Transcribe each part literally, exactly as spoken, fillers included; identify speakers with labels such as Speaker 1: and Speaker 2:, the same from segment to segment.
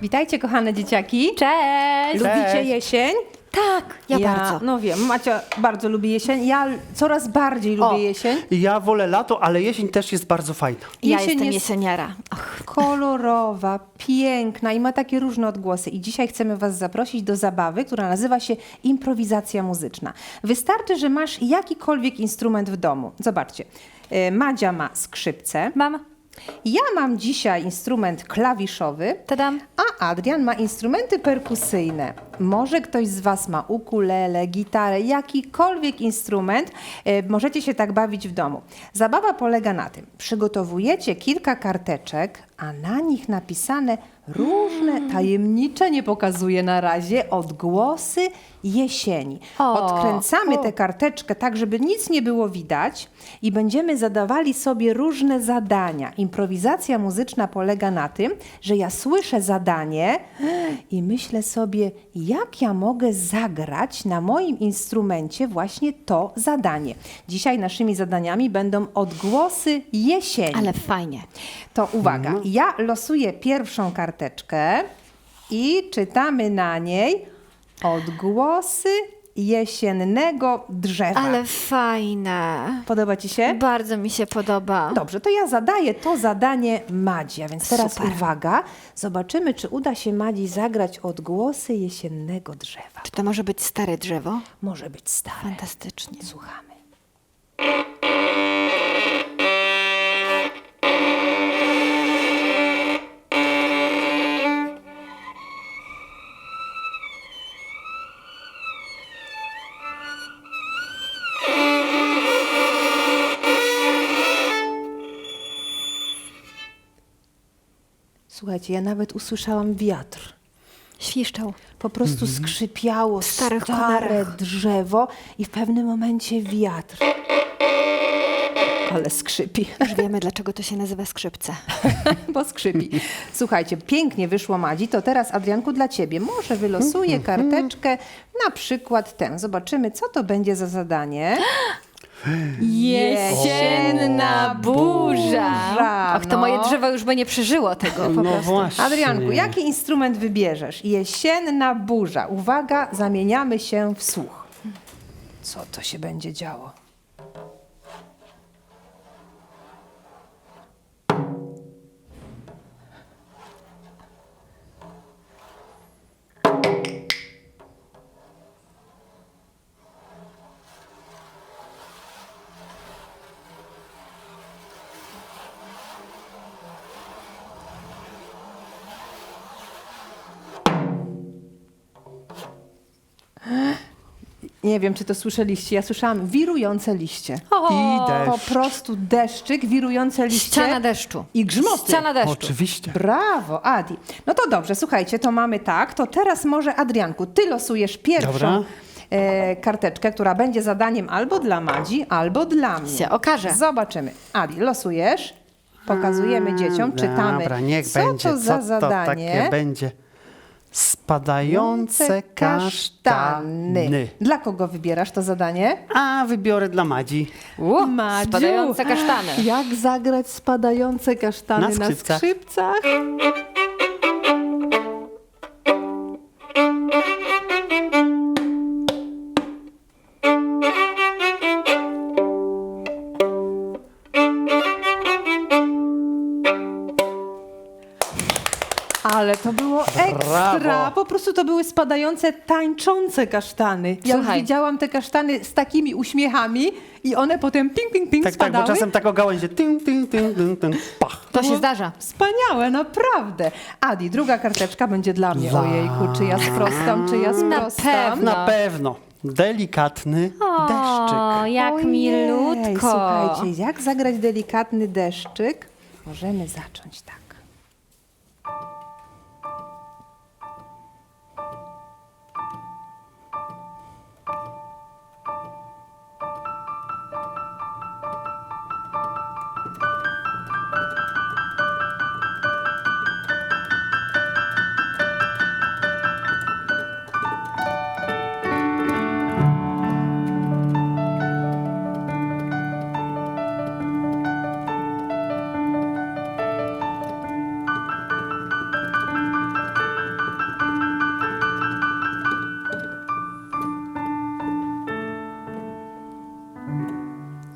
Speaker 1: Witajcie, kochane dzieciaki.
Speaker 2: Cześć!
Speaker 1: Lubicie
Speaker 3: Cześć.
Speaker 1: jesień?
Speaker 2: Tak, ja, bardzo.
Speaker 1: No wiem, Macia bardzo lubi jesień. Ja coraz bardziej lubię
Speaker 2: O.
Speaker 1: jesień.
Speaker 3: Ja wolę lato, ale jesień też jest bardzo fajna.
Speaker 2: Ja
Speaker 1: Jesień
Speaker 2: jestem
Speaker 1: jest
Speaker 2: jesieniara. Och,
Speaker 1: kolorowa, piękna i ma takie różne odgłosy. I dzisiaj chcemy Was zaprosić do zabawy, która nazywa się improwizacja muzyczna. Wystarczy, że masz jakikolwiek instrument w domu. Zobaczcie, y, Madzia ma skrzypce.
Speaker 2: mam,
Speaker 1: Ja mam dzisiaj instrument klawiszowy,
Speaker 2: tadam.
Speaker 1: a Adrian ma instrumenty perkusyjne. Może ktoś z Was ma ukulele, gitarę, jakikolwiek instrument. E, możecie się tak bawić w domu. Zabawa polega na tym, przygotowujecie kilka karteczek, a na nich napisane różne tajemnicze, nie pokazuję na razie, odgłosy jesieni.
Speaker 2: O,
Speaker 1: Odkręcamy
Speaker 2: o.
Speaker 1: tę karteczkę tak, żeby nic nie było widać i będziemy zadawali sobie różne zadania. Improwizacja muzyczna polega na tym, że ja słyszę zadanie i myślę sobie, jak ja mogę zagrać na moim instrumencie właśnie to zadanie. Dzisiaj naszymi zadaniami będą odgłosy jesieni.
Speaker 2: Ale fajnie.
Speaker 1: To uwaga, ja losuję pierwszą karteczkę i czytamy na niej odgłosy jesiennego drzewa.
Speaker 2: Ale fajne.
Speaker 1: Podoba Ci się?
Speaker 2: Bardzo mi się podoba.
Speaker 1: Dobrze, to ja zadaję to zadanie Madzi, a więc teraz
Speaker 2: Super.
Speaker 1: uwaga, zobaczymy, czy uda się Madzi zagrać odgłosy jesiennego drzewa.
Speaker 2: Czy to może być stare drzewo?
Speaker 1: Może być stare.
Speaker 2: Fantastycznie.
Speaker 1: Słuchamy. Słuchajcie, ja nawet usłyszałam wiatr.
Speaker 2: Świszczał.
Speaker 1: Po prostu skrzypiało
Speaker 2: W starych
Speaker 1: stare
Speaker 2: konarach.
Speaker 1: drzewo i w pewnym momencie wiatr. Ale skrzypi,
Speaker 2: Już wiemy, dlaczego to się nazywa skrzypce.
Speaker 1: bo skrzypi. Słuchajcie, pięknie wyszło Madzi, to teraz Adrianku dla Ciebie. Może wylosuję karteczkę, na przykład tę. Zobaczymy, co to będzie za zadanie.
Speaker 2: Jesienna burza. Och, to
Speaker 1: no.
Speaker 2: moje drzewo już by nie przeżyło tego po
Speaker 3: No
Speaker 2: prostu.
Speaker 3: właśnie.
Speaker 1: Adrianku, jaki instrument wybierzesz? Jesienna burza. Uwaga, zamieniamy się w słuch. Co to się będzie działo? Nie wiem, czy to słyszeliście. Ja słyszałam wirujące liście.
Speaker 3: I
Speaker 1: Po
Speaker 3: deszcz.
Speaker 1: prostu deszczyk, wirujące liście.
Speaker 2: Ściana deszczu.
Speaker 1: I grzmoty.
Speaker 2: Ściana deszczu.
Speaker 3: Oczywiście.
Speaker 1: Brawo, Adi. No to dobrze, słuchajcie, to mamy tak. To teraz może, Adrianku, ty losujesz pierwszą
Speaker 3: Dobra.
Speaker 1: e, karteczkę, która będzie zadaniem albo dla Madzi, albo dla mnie.
Speaker 2: Się okaże.
Speaker 1: Zobaczymy. Adi, losujesz. Pokazujemy dzieciom, czytamy.
Speaker 3: Dobra, niech
Speaker 1: co
Speaker 3: będzie.
Speaker 1: to za
Speaker 3: co
Speaker 1: zadanie?
Speaker 3: to takie będzie? Spadające kasztany.
Speaker 1: Dla kogo wybierasz to zadanie?
Speaker 3: A wybiorę dla Madzi.
Speaker 2: U,
Speaker 1: Madziu,
Speaker 2: spadające kasztany.
Speaker 1: Jak zagrać spadające kasztany
Speaker 3: Na
Speaker 1: na
Speaker 3: skrzypcach.
Speaker 1: skrzypcach? Ale to było ekstra.
Speaker 3: Brawo.
Speaker 1: Po prostu to były spadające, tańczące kasztany. Ja już
Speaker 2: Słuchaj.
Speaker 1: widziałam te kasztany z takimi uśmiechami i one potem ping, ping, ping
Speaker 3: Tak, tak,
Speaker 1: spadały.
Speaker 3: bo czasem tak o gałęzie. Ting, ting, ting, ting, ting, pach.
Speaker 2: To się zdarza.
Speaker 1: Wspaniałe, naprawdę. Adi, druga karteczka będzie dla mnie.
Speaker 3: Dla-
Speaker 1: Ojejku, czy ja sprostam, czy ja sprostam?
Speaker 2: pewno.
Speaker 3: Na pewno. Delikatny deszczyk.
Speaker 2: O, jak
Speaker 1: Ojej,
Speaker 2: milutko.
Speaker 1: Słuchajcie, jak zagrać delikatny deszczyk? Możemy zacząć tak.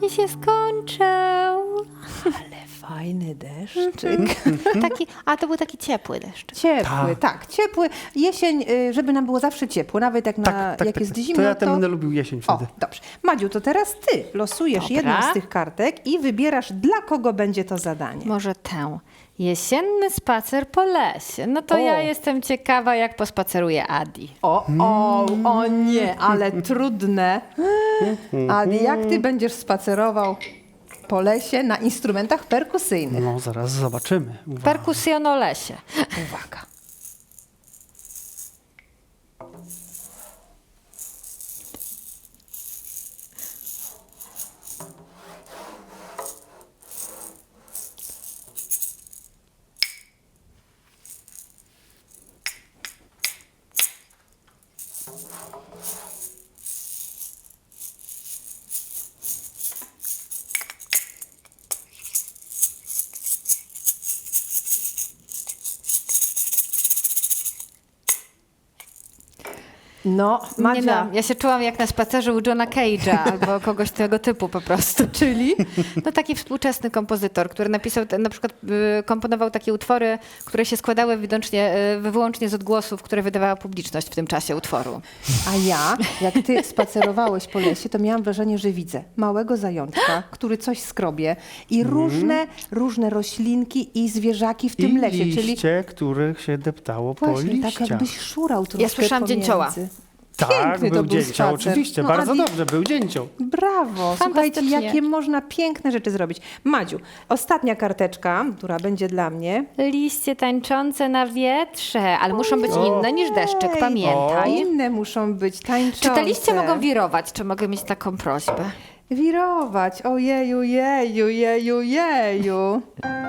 Speaker 2: deszczyki się skończą.
Speaker 1: Ale fajny deszczyk.
Speaker 2: Taki, a to był taki ciepły deszcz.
Speaker 1: Ciepły, tak, ciepły. Jesień, y, żeby nam było zawsze ciepło, nawet jak, na,
Speaker 3: Tak, tak,
Speaker 1: jak
Speaker 3: tak,
Speaker 1: jest
Speaker 3: tak.
Speaker 1: zimno,
Speaker 3: To ja ten będę lubił jesień
Speaker 1: O,
Speaker 3: wtedy.
Speaker 1: dobrze. Madziu, to teraz ty losujesz
Speaker 2: Dobra.
Speaker 1: jedną z tych kartek i wybierasz, dla kogo będzie to zadanie.
Speaker 2: Może tę. Jesienny spacer po lesie. No to
Speaker 1: O.
Speaker 2: ja jestem ciekawa, jak pospaceruje Adi.
Speaker 1: O, o, o nie, ale trudne. Adi, jak ty będziesz spacerował po lesie na instrumentach perkusyjnych?
Speaker 3: No, zaraz zobaczymy. Uwaga.
Speaker 2: Perkusjonolesie.
Speaker 1: Uwaga. No,
Speaker 2: Nie
Speaker 1: Madzia,
Speaker 2: no, ja się czułam jak na spacerze u Johna Cage'a albo kogoś tego typu po prostu. Czyli? No taki współczesny kompozytor, który napisał, te- na przykład y, komponował takie utwory, które się składały wyłącznie, y, wyłącznie z odgłosów, które wydawała publiczność w tym czasie utworu.
Speaker 1: a ja, jak ty spacerowałeś po lesie, to miałam wrażenie, że widzę małego zajączka, który coś skrobie i różne, różne roślinki i zwierzaki w tym
Speaker 3: I
Speaker 1: lesie, czyli
Speaker 3: liście, których się deptało po
Speaker 1: właśnie tak
Speaker 3: liściach.
Speaker 1: jakbyś szurał troszkę
Speaker 2: słyszałam
Speaker 1: pomiędzy.
Speaker 2: dzięcioła.
Speaker 3: Tak,
Speaker 1: Piękny
Speaker 3: był
Speaker 1: to był
Speaker 3: dzięcioł,
Speaker 1: spacer.
Speaker 3: oczywiście.
Speaker 1: No,
Speaker 3: Bardzo
Speaker 1: Adi,
Speaker 3: dobrze, był dzięcioł.
Speaker 1: Brawo, słuchajcie,
Speaker 2: Fantastycznie.
Speaker 1: jakie można piękne rzeczy zrobić. Madziu, ostatnia karteczka, która będzie dla mnie.
Speaker 2: Liście tańczące na wietrze, ale muszą być inne niż deszczyk,
Speaker 1: Ej,
Speaker 2: pamiętaj.
Speaker 1: Inne muszą być tańczące.
Speaker 2: Czy te liście mogą wirować? Czy mogę mieć taką prośbę?
Speaker 1: Wirować, ojeju, jeju, jeju, jeju.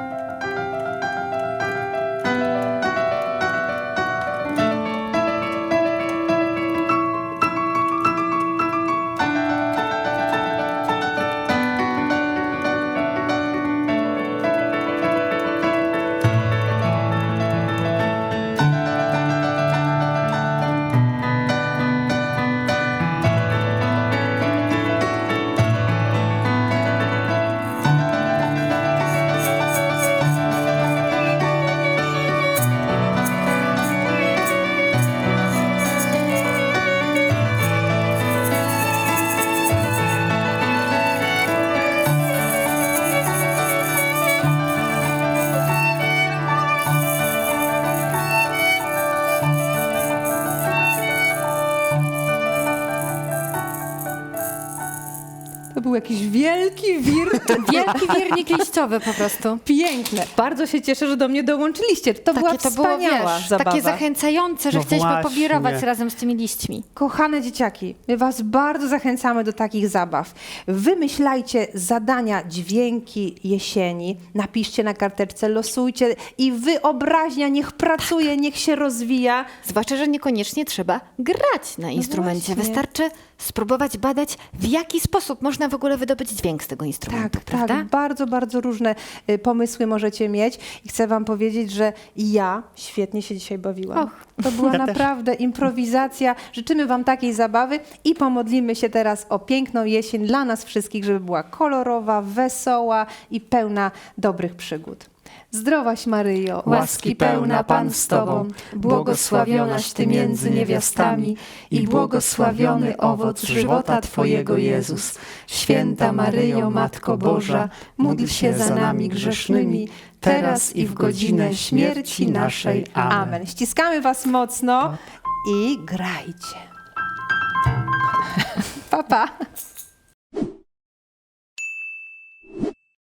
Speaker 1: To był jakiś wielki wir.
Speaker 2: Wielki wirnik liściowy po prostu.
Speaker 1: Piękne. Bardzo się cieszę, że do mnie dołączyliście. To była
Speaker 2: Takie to było,
Speaker 1: wspaniała
Speaker 2: wiesz,
Speaker 1: zabawa.
Speaker 2: takie zachęcające, że
Speaker 3: No
Speaker 2: chcieliśmy
Speaker 3: właśnie.
Speaker 2: powirować razem z tymi liśćmi.
Speaker 1: Kochane dzieciaki, my was bardzo zachęcamy do takich zabaw. Wymyślajcie zadania, dźwięki jesieni, napiszcie na karteczce, losujcie i wyobraźnia niech pracuje, niech się rozwija.
Speaker 2: Zwłaszcza, że niekoniecznie trzeba grać na instrumencie.
Speaker 1: właśnie.
Speaker 2: Wystarczy spróbować badać, w jaki sposób można w ogóle wydobyć dźwięk z tego instrumentu,
Speaker 1: Tak,
Speaker 2: prawda?
Speaker 1: tak, bardzo, bardzo różne y, pomysły możecie mieć i chcę wam powiedzieć, że ja świetnie się dzisiaj bawiłam.
Speaker 2: Och.
Speaker 1: To była
Speaker 3: Ja też.
Speaker 1: naprawdę improwizacja. Życzymy wam takiej zabawy i pomodlimy się teraz o piękną jesień dla nas wszystkich, żeby była kolorowa, wesoła i pełna dobrych przygód. Zdrowaś Maryjo,
Speaker 2: Łaski pełna Pan z Tobą,
Speaker 1: błogosławionaś Ty między niewiastami i błogosławiony owoc żywota Twojego Jezus. Święta Maryjo, Matko Boża, módl się za nami grzesznymi, teraz i w godzinę śmierci naszej. Amen. Ściskamy Was mocno i grajcie. Pa, pa.